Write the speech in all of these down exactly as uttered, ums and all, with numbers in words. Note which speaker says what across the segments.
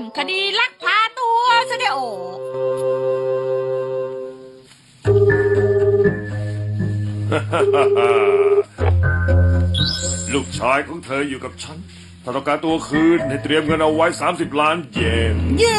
Speaker 1: คดีลักพาตัวซะเดี๋ยว
Speaker 2: ลูกชายของเธออยู่กับฉันถ้าต้องการตัวคืนให้เตรียมเงินเอาไว้สามสิบล้านเยน
Speaker 3: เย้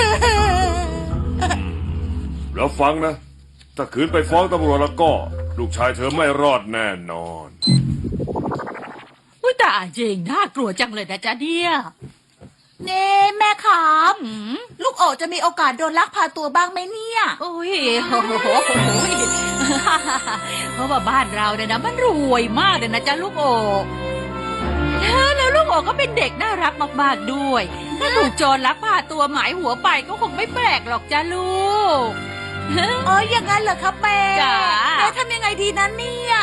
Speaker 2: แล้วฟังนะ ถ้าคืนไปฟ้องตำรวจแล้วก็ ลูกชายเธอไม่รอดแน่นอน
Speaker 1: อุ้ยแต่จริงน่ากลัวจังเลยนะจ๊ะเนี่ย
Speaker 3: เน่แม่ครับ
Speaker 1: อืม
Speaker 3: ลูกโอจะมีโอกาสโดนลักพาตัวบ้างไหมเนี่ย
Speaker 1: โอ้ยโอ้โหเพราะว่าบ้านเราเนี่ยนะมันรวยมากเลยนะจ๊ะลูกโอแล้วลูกโอก็เป็นเด็กน่ารักมากๆด้วยถ้าถูกโจรลักพาตัวหมายหัวไปก็คงไม่แปลกหรอกจ้ะลูก
Speaker 3: เอออย่างนั้นเหรอครับแม่
Speaker 1: จ๋า
Speaker 3: แม่ทำยังไงดีนั้นเนี่ย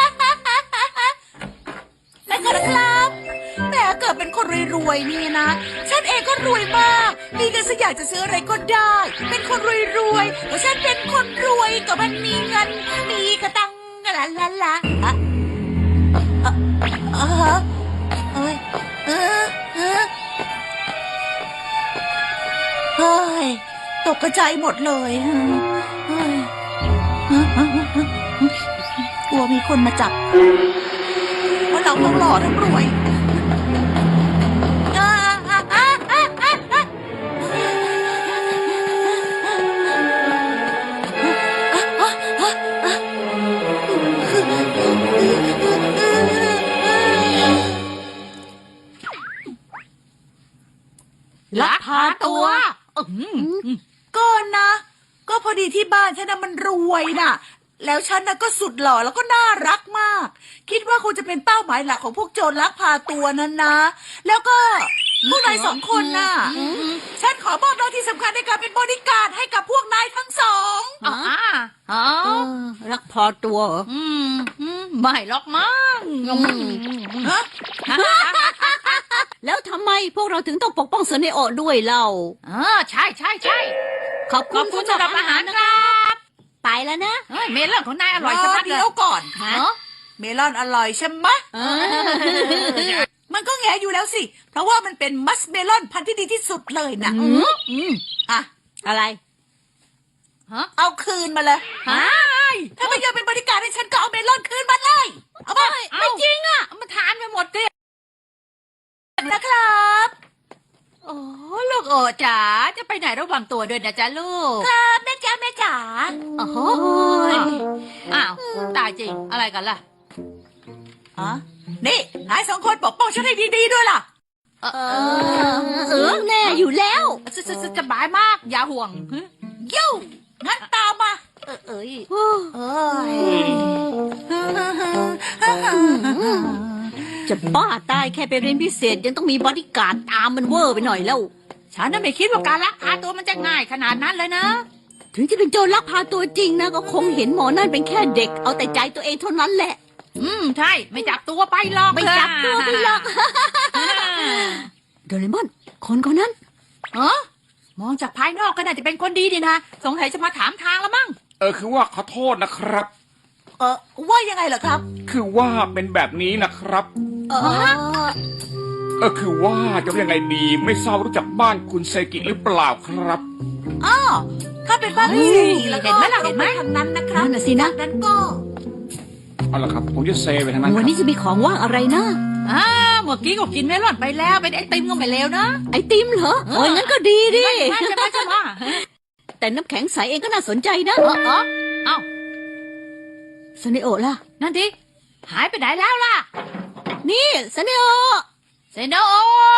Speaker 3: แม่ครับแม่เกิดเป็นคนรวยๆนี่นะ ฉันเองก็รวยมากมีเงินสักอย่างจะซื้ออะไรก็ได้ เป็นคนรวยๆเพราะฉันเป็นคนรวยก็มันมีเงิน มีกระตังลาลาลาอะเออเออเอ้ยเออเออเฮ้ยตกกระจายหมดเลยเฮ้ยกลัวมีคนมาจับเพราะเราทั้งหล่อทั้งรวยอ่าอ่าอ่าอ่าอ่าอ่า
Speaker 1: ลักพาตัวอืม
Speaker 3: ก็นะ ก็พอดีที่บ้านฉันนะมันรวยน่ะ แล้วฉันนะก็สุดหล่อแล้วก็น่ารักมาก คิดว่าคงจะเป็นเป้าหมายหลักของพวกโจรลักพาตัวนั้นนะ แล้วก็พวกนายสองคนน่ะ ฉันขอมอบหน้าที่สำคัญในการเป็นบอดี้การ์ดให้กับพวกนายทั้งสอง
Speaker 1: อ๋ออ๋อ
Speaker 4: รักพอตัวเหรอ
Speaker 1: อืมอืมไม่หรอกมั้ง
Speaker 3: ฮะ
Speaker 4: แล้วทำไมพวกเราถึงต้องปกป้องเซเนโอะด้วยเล่า
Speaker 1: เออใช่ใช่ใช่
Speaker 4: ขอบ
Speaker 1: ข
Speaker 4: คุ
Speaker 1: อบ
Speaker 4: ณ
Speaker 1: คุณสำหรับอาหารนะครับ
Speaker 4: ไปแล้วนะ
Speaker 1: เฮ้ยเมลอนของนายอร่อยชะมัดเล
Speaker 3: เดี๋
Speaker 1: ย
Speaker 3: ยวก่อน
Speaker 1: ฮะ
Speaker 3: เมลอนอร่อยใช่ไหมะ
Speaker 4: เออ
Speaker 3: มันก็แงอยู่แล้วสิ เพราะว่ามันเป็นมัสเมลอนพันธุ์ที่ดีที่สุดเลยนะ
Speaker 4: อืมอืม
Speaker 3: อ่ะ
Speaker 4: อะไร
Speaker 1: ฮะ
Speaker 3: เอาคืนมาเลย
Speaker 1: ฮะ
Speaker 3: ถ้าไม่ยอมเป็นบริการให้ฉันก็เอาเมลอนคืนมาเลย เอาไป
Speaker 1: ไม่จริงอ่ะมันทานไปหมดเลย
Speaker 3: นะครับ
Speaker 1: โอ้ลูกโอจ๋าจะไปไหนระวังตัวด้วยนะจ๊ะลูก
Speaker 3: ครับแม่จ๋าแม่จ๋า
Speaker 1: โอ้โหอ้าวตายจริงอะไรกันล่ะ
Speaker 3: อ๋อนี่นายสองคนปกป้องฉันให้ดีๆด้วยล่ะ
Speaker 1: เออ
Speaker 4: เออเออแน่อยู่แล้ว
Speaker 1: สสสสบายมากอย่าห่วงฮึ
Speaker 3: ยิ่วงั้นตามมา
Speaker 1: เออเอ้ย
Speaker 3: เอ้ย
Speaker 4: จะบ้าตายแค่ไปเรียนพิเศษยังต้องมีบอดี้การ์ดตามมันเวอร์ไปหน่อยแล้ว
Speaker 1: ฉันน่ะไม่คิดว่าการลักพาตัวมันจะง่ายขนาดนั้นเลยนะ
Speaker 4: ถึงจะเป็นโจรลักพาตัวจริงนะก็คงเห็นหมอนั่นเป็นแค่เด็ก เอาแต่ใจตัวเองเท่านั้นแหละ
Speaker 1: อืมใช่ไม่จับตัวไปหรอก
Speaker 4: ไม่จับตัวไปหรอก โดเรมอน คนคนนั้น
Speaker 1: เออมองจากภายนอกก็น่าจะเป็นคนดีดีนะสงสัยจะมาถามทางแล้วมั้ง
Speaker 5: เออคือว่าขอโทษนะครับ
Speaker 3: เออว่ายังไงเหรอครับ
Speaker 5: คือว่าเป็นแบบนี้นะครับ
Speaker 3: เออ
Speaker 5: เออคือว่าจะว่ายังไงดีไม่ทราบรู้จักบ้านคุณเซกิหรือเปล่าครับ
Speaker 3: อ้อถ้าเป็นบ้านพี่สิริแล้วก็
Speaker 1: เห็นไหมล่ะเห็นไหม
Speaker 3: ทางนั้นนะครับ
Speaker 4: นั่นน่ะสินะ
Speaker 3: จากนั้นก็
Speaker 5: เอาละครับผมจะเซไปทางนั้นค
Speaker 4: วัน
Speaker 5: รับ
Speaker 4: นี้จะมีของว่างอะไรนะ
Speaker 1: อ่าเมื่อกี้ก็กินเมลอนไปแล้วเป็นไอติมก็ไม่เลวนะ
Speaker 4: ไอติมเหรอโอ้ยงั้นก็ดีดิ
Speaker 1: ไม่ใช่ไม่ใช่ว่า
Speaker 4: แต่น้ำแข็งใสเองก็น่าสนใจนะ
Speaker 1: เออเออเอ้า
Speaker 4: ซเนโอะล่ะ
Speaker 1: นั่นดิหายไปไหนแล้วล่ะ
Speaker 4: นี่ซเนโอะ
Speaker 1: เซโนโอ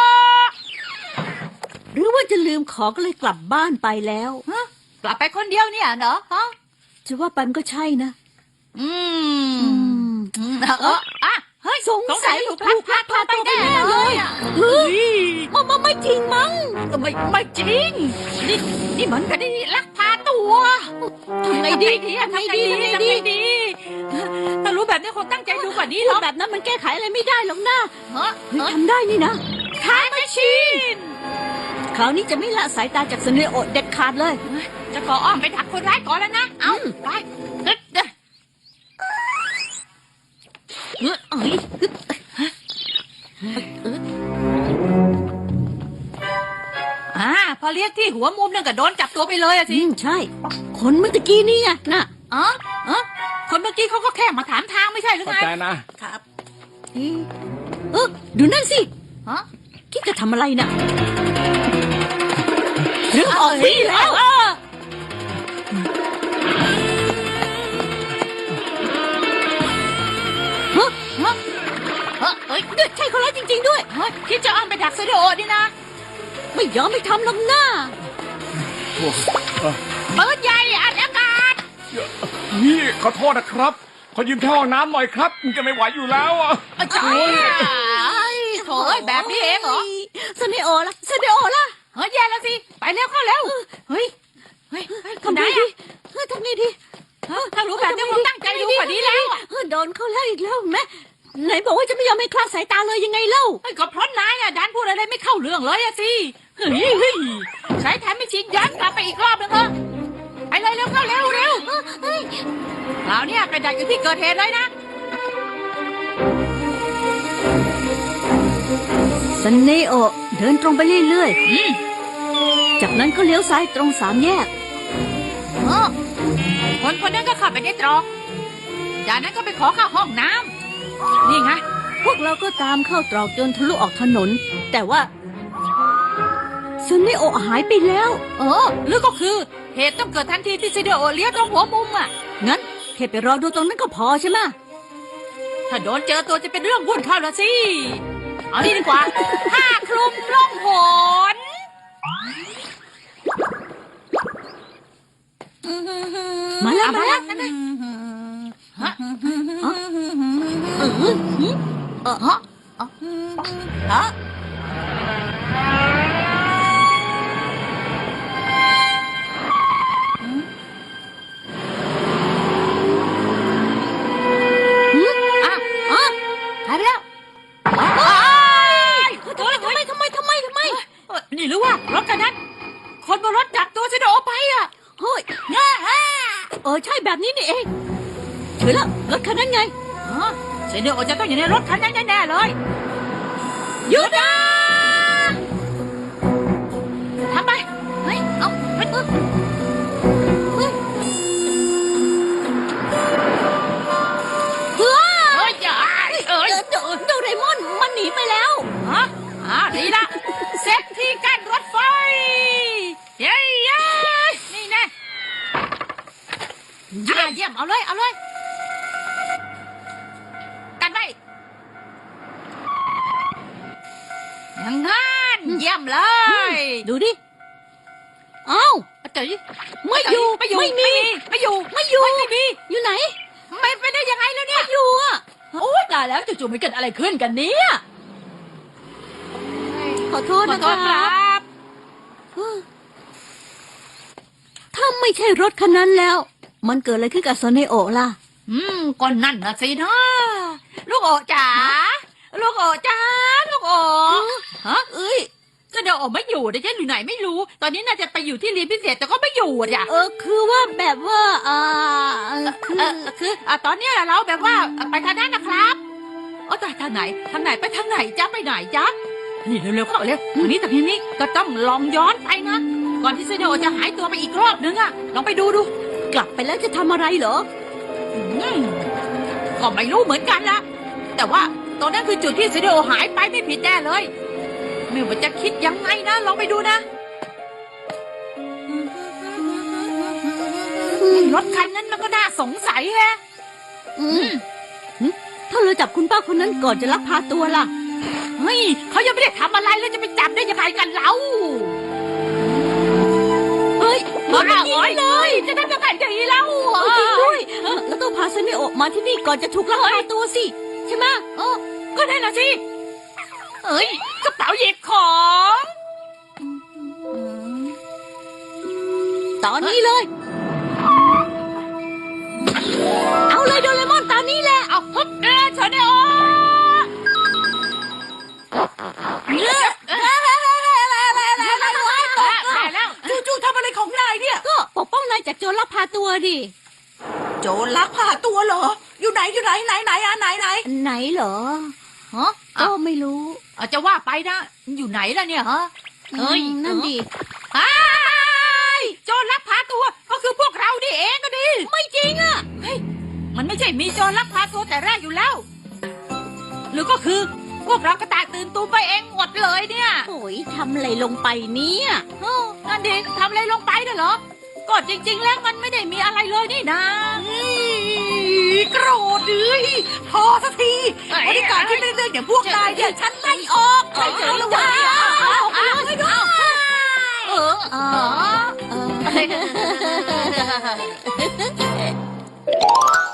Speaker 4: หรือว่าจะลืมของก็เลยกลับบ้านไปแล้ว
Speaker 1: ฮะกลับไปคนเดียวเนี่ยเหรอฮะ
Speaker 4: จะว่าไปมันก็ใช่นะ
Speaker 1: อืม
Speaker 4: อืม
Speaker 1: อืมเอออ่ะเฮ้ย
Speaker 4: สงสัย
Speaker 1: ถูกลักพาตัวไปแน่
Speaker 4: ถูกลักพาตัวไปแน่
Speaker 1: เล
Speaker 4: เลย
Speaker 1: ยอะ
Speaker 4: เฮ้ยมันมันไม่จริงมั้ง
Speaker 1: ก็ไม่ไม่จริง นี่นี่เหมือนกันนี่ลักพาตัว
Speaker 4: ทำไงดี
Speaker 1: ทำไงดี
Speaker 4: ทำไง
Speaker 1: ทำ
Speaker 4: ดี
Speaker 1: ไงดีถ้ารู้แบบนี้คงตั้งใจดูกว่านี้ห
Speaker 4: พู
Speaker 1: ร
Speaker 4: ด
Speaker 1: อก
Speaker 4: แบบนั้นมันแก้ไขอะไรไม่ได้หรอกนะ
Speaker 1: เฮ้ย
Speaker 4: เฮ้ยทำได้นี่นะ
Speaker 1: ทายแมชชีน
Speaker 4: คราวนี้จะไม่ละสายตาจากซเนโอะเด็ดขาดเลย
Speaker 1: จะขออ้อมไปดักคนร้ายก่อนแล้วนะ เอาไปเด็ดเด็ด
Speaker 4: เอ้ยเอ้ย
Speaker 1: อ่าพอเรียกที่หัวมุมนั่นก็โดนจับตัวไปเลยอะ
Speaker 4: อื
Speaker 1: สิ
Speaker 4: มใช่ คนเมื่อตะกี้นี่ไงน่ะ
Speaker 1: อ๋อเออคนเมื่อกี้เขาก็แค่มาถามทางไม่ใช่หรือ
Speaker 5: เข้า
Speaker 1: ไง
Speaker 5: ใจนะ
Speaker 3: ครับ
Speaker 4: เอ๊ะเออดูนั่นสิ
Speaker 1: ฮะ
Speaker 4: คิดจะทำอะไรน่ะเรื่องออกวิ่งแล้ว
Speaker 1: เออ
Speaker 4: ฮะ
Speaker 1: ฮะเออเอ้ย
Speaker 4: ใช่คนร้ายจริง ๆ ด้วย
Speaker 1: เฮ้ยคิดจะอ้อมไปดักเซโดดินะ
Speaker 4: ไม่ยอมไม่ทำลำหน้า
Speaker 1: เปิดใหญ่อัดอากาศ
Speaker 5: นี่ขอโทษนะครับ ขอยืมแค่ห้องน้ำหน่อยครับมันจะไม่ไหวอยู่แล้วอ่ะ
Speaker 1: ใช่โถ่แบบนี้เองเหรอ
Speaker 4: สเนโอล่ะสเนโอล่ะ
Speaker 1: เฮ้ยแย่แล้วสิ ไปเร็วเข้าเร็ว เฮ้ย เฮ้ยเฮ้ย
Speaker 4: ทำ
Speaker 1: ไหน
Speaker 4: ไงดี
Speaker 1: อะ
Speaker 4: เฮ้ยทำไงดี
Speaker 1: ฮะถ้ารู้แบบนี้คงตั้งใจดูกว่านี้แล้วอะ
Speaker 4: เออโดนเขาแล้วอีกแล้วแม่ไหนบอกว่าจะไม่ยอมให้คลาดสายตาเลยยังไงเล่า
Speaker 1: เฮ้ยก็เพราะนายน่ะดันพูดอะไรไม่เข้าเรื่องเลยอะสิเฮ้ยเฮ้ยใช้แถมไม่ชิงย้อนกลับไปอีกรอบนึงเถอะไปเลยเร็วเข้าเร็วเร็วเฮ้ยคราวเนี้ยไปดักอยู่ที่เกิดเหตุเลยนะ
Speaker 4: สเนโอเดินตรงไปเรื่อย
Speaker 1: อืม
Speaker 4: ๆ จากนั้นก็เลี้ยวซ้ายตรงสามแยก
Speaker 1: เออคนคนนั้นก็เข้าไปในตรอกจากนั้นก็ไปขอเข้าห้องน้ำนี่ไง
Speaker 4: พวกเราก็ตามเข้าตรอกจนทะลุออกถนน แต่ว่าสเนโอหายไปแล้ว
Speaker 1: เออหรือก็คือเหตุต้องเกิดทันทีที่ซิเดโอเลี้ยวตรงหัวมุมอ่ะ
Speaker 4: งั้นแค่ไปรอดูตรงนั้นก็พอใช่ไหมะ
Speaker 1: ถ้าโดนเจอตัวจะเป็นเรื่องวุ่นเข้าละสิ เอานี่ดีกว่า ผ้าคลุมล่องหน
Speaker 4: มาแล้วมาแล้ว
Speaker 1: นั่นน่ะฮะ
Speaker 4: เออหืม
Speaker 1: เออฮะฮะ
Speaker 4: หืม
Speaker 1: อ่ะอ่ะหายไปแล้ว
Speaker 4: ทำไมทำไมทำไมทำไมทำไม
Speaker 1: เอ้ยนี่หรือว่ารถคันนั้น คนบนรถจับตัวซิเดโอไปอ่ะ
Speaker 4: เฮ้ยเออใช่แบบนี้นี่เองเห็นแล้วรถคันนั้นไง
Speaker 1: ฮะซิเดโอจะต้องอยู่ในรถคันนั้นแน่ๆเลย
Speaker 4: หยุดนะ
Speaker 1: ทำไปเฮ้ย เอาเฮ้ยเฮ้ยเฮ้ย
Speaker 4: เฮ้ย
Speaker 1: เฮ้ยอย่าเอ้ย
Speaker 4: เดโดเรมอนมันหนีไปแล้ว
Speaker 1: ฮะอ่าดีละเซฟที่กั้นรถไฟ เย้เย้นี่แน่อ่าเยี่ยม เอาเลย เอาเลย กันไว้อย่างนั้นเยี่ยมเลย
Speaker 4: ดูดิ เอ้า
Speaker 1: เจ๋ย
Speaker 4: ไม่อยู่
Speaker 1: ไม่อยู่
Speaker 4: ไม่มี
Speaker 1: ไม่อยู่
Speaker 4: ไม่อยู่
Speaker 1: ไม่มี
Speaker 4: อยู่ไหน
Speaker 1: ไม่ไปได้ยังไงแล้วเนี่ย
Speaker 4: อยู่อ่ะ
Speaker 1: โอ้ตายแล้วจู่ๆมันเกิดอะไรขึ้นกันเนี่ย
Speaker 4: ขอโทษ
Speaker 1: ขอ
Speaker 4: นะ
Speaker 1: โท
Speaker 4: ค
Speaker 1: ษค
Speaker 4: รั
Speaker 1: รับ บ
Speaker 4: ถ้าไม่ใช่รถคันนั้นแล้ว มันเกิดอะไรขึ้นกับโซเนโอะล่ะ
Speaker 1: อืมก็นั่นนะสินะลูกโอจ๋าลูกโอจ๋าลูกโอฮะ
Speaker 4: เอ้ย
Speaker 1: ก็เดี๋ยวโอไม่อยู่เดี๋ยวจะอยู่ไหนไม่รู้ ตอนนี้น่าจะไปอยู่ที่เรียนพิเศษแต่ก็ไม่อยู่อ่ะจ้ะ
Speaker 4: เออ คือว่าแบบว่าอ่าคื
Speaker 1: เอ
Speaker 4: อ
Speaker 1: อคืออ่ะตอนเนี้ยเราแบบว่าไปทางนั้นนะครับโอ้ตายทางไหนทางไหนไปทางไหนจ๊ะไปไหนจ๊ะนี่เร็วๆเข้าเร็วทางนี้ทางนี้ก็ต้องลองย้อนไปนะก่อนที่เซโดจะหายตัวไปอีกรอบนึงอ่ะลองไปดูดู
Speaker 4: กลับไปแล้วจะทำอะไรเหรอ
Speaker 1: อืมก็ไม่รู้เหมือนกันละแต่ว่าตรงนั้นคือจุดที่เซโดหายไปไม่ผิดแน่เลยไม่ว่าจะคิดยังไงนะลองไปดูนะรถคันนั้นมันก็น่าสงสัยแฮะ
Speaker 4: อืมหึถ้าเราจับคุณป้าคนนั้นก่อนจะลักพาตัวล่ะ
Speaker 1: เฮ้ยเขายังไม่ได้ทำอะไรเลยจะไปจับได้ยังไงกันเล่า
Speaker 4: เฮ้ย
Speaker 1: บ้า
Speaker 4: มันยิ
Speaker 1: เอ้
Speaker 4: ง
Speaker 1: ย
Speaker 4: เลย
Speaker 1: จะทำยังไงดีเล่า
Speaker 4: เออจริงด้วยเออแล้วต้องพาเซเนโอะมาที่นี่ก่อนจะถูกลักพาตัวสิ ใช่ไหม
Speaker 1: เออก็ได้นะสิเอ้ยกระเป๋าหยิบของ
Speaker 4: ตอนนี้เลย เอาเลยโดเรมอนตามนี้แหละ
Speaker 1: เอาฮึบเออเฉยเดียวได้แล้ว
Speaker 3: จู่ๆทำอะไรของนายเนี่ย
Speaker 4: ก็ปกป้องนายจากโจรลักพาตัวดิ
Speaker 3: โจรลักพาตัวเหรอ อยู่ไหนอยู่ไหนไหนไหนอ่ะไหนไหน
Speaker 4: ไหนเหรอ
Speaker 1: ฮะ
Speaker 4: ก็ไม่รู้
Speaker 1: เอาจะว่าไปนะอยู่ไหนล่ะเนี่ยฮะเอ้ย
Speaker 4: นั่นดิ
Speaker 1: ไอ้ายโจรลักพาตัวก็คือพวกเรานี่เองก็ดี
Speaker 4: ไม่จริงอ่ะ
Speaker 1: เฮ้ยมันไม่ใช่มีโจรลักพาตัวแต่แรกอยู่แล้ว หรือก็คือพวกเรากระต่ายตื่นตูมไปเองหมดเลยเนี่ย
Speaker 4: โอ้ยทำอะไรลงไปเนี่ย
Speaker 1: เออนั่นเด็กทำอะไรลงไปน่ะเหรอก็จริง ๆ แล้วมันไม่ได้มีอะไรเลยนี่นะ
Speaker 3: โกรธเลยพอสักทีบริการที่เรื่องอย่างพวกนายเนี่ยฉันไล่ออกใช่เฉยๆเลยว่ะ
Speaker 1: เออ
Speaker 4: อ๋อเออ